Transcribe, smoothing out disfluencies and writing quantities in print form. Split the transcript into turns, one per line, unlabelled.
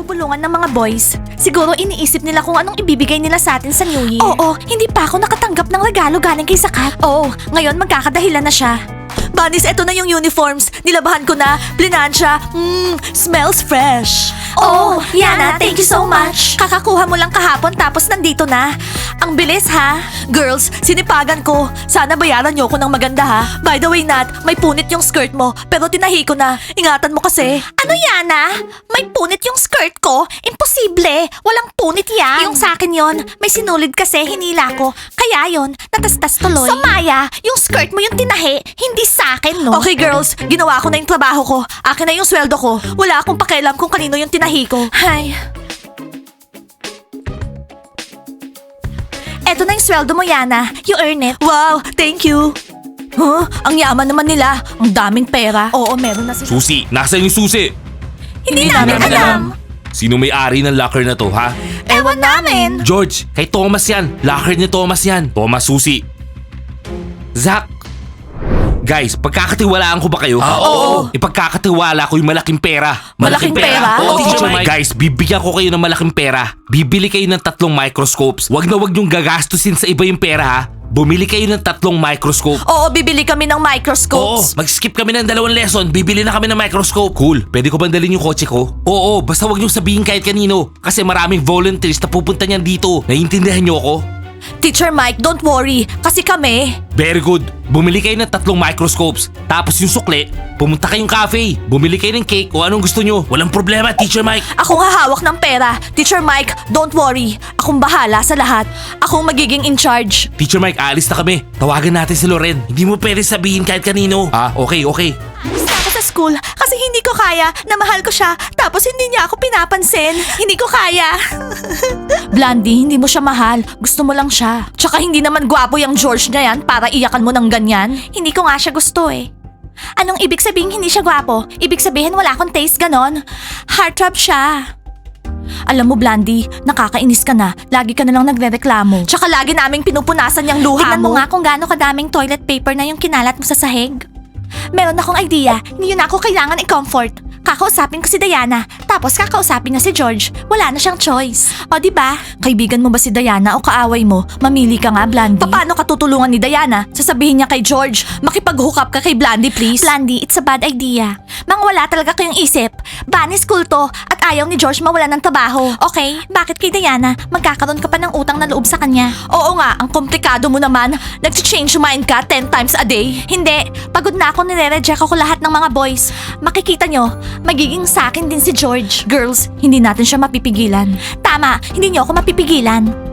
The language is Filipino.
binubulungan ng mga boys. Siguro iniisip nila kung anong ibibigay nila sa atin sa New Year. Oo, hindi pa ako nakatanggap ng regalo galing kay Sakat. Oo, ngayon magkakadahilan na siya. Bunnies, eto na yung uniforms. Nilabahan ko na. Plinansya. Smells fresh. Oh, Yana, thank you so much. Kakakuha mo lang kahapon tapos nandito na. Ang bilis ha. Girls, sinipagan ko. Sana bayaran niyo ko ng maganda ha. By the way, Nat, may punit yung skirt mo pero tinahi ko na. Ingatan mo kasi. Ano, Yana? May punit yung skirt ko? Imposible. Walang punit yan. Yung sa akin yon, may sinulid kasi hinila ko. Kaya yon, natastas tuloy. So Maya, yung skirt mo yung tinahi, hindi sa akin, no? Okay girls, ginawa ko na yung trabaho ko. Akin na yung sweldo ko. Wala akong pakialam kung kanino yung tinahi ko. Hay. Eto na yung sweldo mo, Yana. You earn it. Wow, thank you. Huh? Ang yaman naman nila. Ang daming pera. Oo, meron na sila.
Susi, nasa yung susi?
Hindi namin alam.
Sino may-ari ng locker na to, ha?
Ewan namin.
George, kay Thomas yan. Locker ni Thomas yan. Thomas, Susi. Zach. Guys, pagkakatiwalaan ko ba kayo?
Oo.
Ipagkakatiwala ko yung malaking pera.
Malaking pera?
Oo,
Oo.
Teacher Mike. Guys, bibigyan ko kayo ng malaking pera. Bibili kayo ng 3 microscopes. Wag na wag niyong gagastusin sa iba yung pera, ha? Bumili kayo ng 3 microscope.
Oo, bibili kami ng
Oo,
microscopes.
mag-skip kami ng 2 lesson. Bibili na kami ng microscope. Cool. Pwede ko ba dalhin yung kotse ko? Oo, basta wag niyong sabihin kahit kanino. Kasi maraming volunteers na pupunta niyan dito. Naiintindihan niyo ako?
Teacher Mike, don't worry. Kasi kami.
Very good. Bumili kayo ng 3 microscopes. Tapos yung sukle, pumunta kayong cafe. Bumili kayo ng cake o anong gusto nyo. Walang problema, Teacher Mike.
Akong hahawak ng pera. Teacher Mike, don't worry. Akong bahala sa lahat. Akong magiging in charge.
Teacher Mike, aalis na kami. Tawagan natin si Loren. Hindi mo pwede sabihin kahit kanino. Ah, okay.
Basta ako sa school kasi hindi ko kaya na mahal ko siya tapos hindi niya ako pinapansin. Hindi ko kaya. Blondie, hindi mo siya mahal. Gusto mo lang siya. Tsaka hindi naman gwapo yung George na yan para iyakan mo ng ganyan. Hindi ko nga siya gusto eh. Anong ibig sabihin hindi siya gwapo? Ibig sabihin wala akong taste ganon? Heartthrob siya. Alam mo, Blandy, nakakainis ka na. Lagi ka na lang nagrereklamo. Tsaka lagi naming pinupunasan yung luha
Tingnan
mo.
mo
nga kung gaano kadaming toilet paper na yung kinalat mo sa sahig. Meron akong idea. Hindi yun ako kailangan i-comfort. Kakausapin ko si Diana, tapos kakausapin niya si George. Wala na siyang choice. O di ba? Kaibigan mo ba si Diana o kaaway mo? Mamili ka nga, Blandy. Paano ka tutulungan ni Diana? Sasabihin niya kay George, makipag-hook up ka kay Blandy, please. Blandy, it's a bad idea. Mang wala talaga kayong isip. Bunny school to at ayaw ni George mawala ng trabaho. Okay? Bakit kay Diana? Magkakaroon ka pa ng utang na loob sa kanya. Oo nga, ang komplikado mo naman. Nag-change mind ka 10 times a day. Hindi. Pagod na ako, nire-reject ako lahat ng mga boys. Makikita nyo, magiging sa akin din si George. Girls, hindi natin siya mapipigilan. Tama, hindi niyo ako mapipigilan.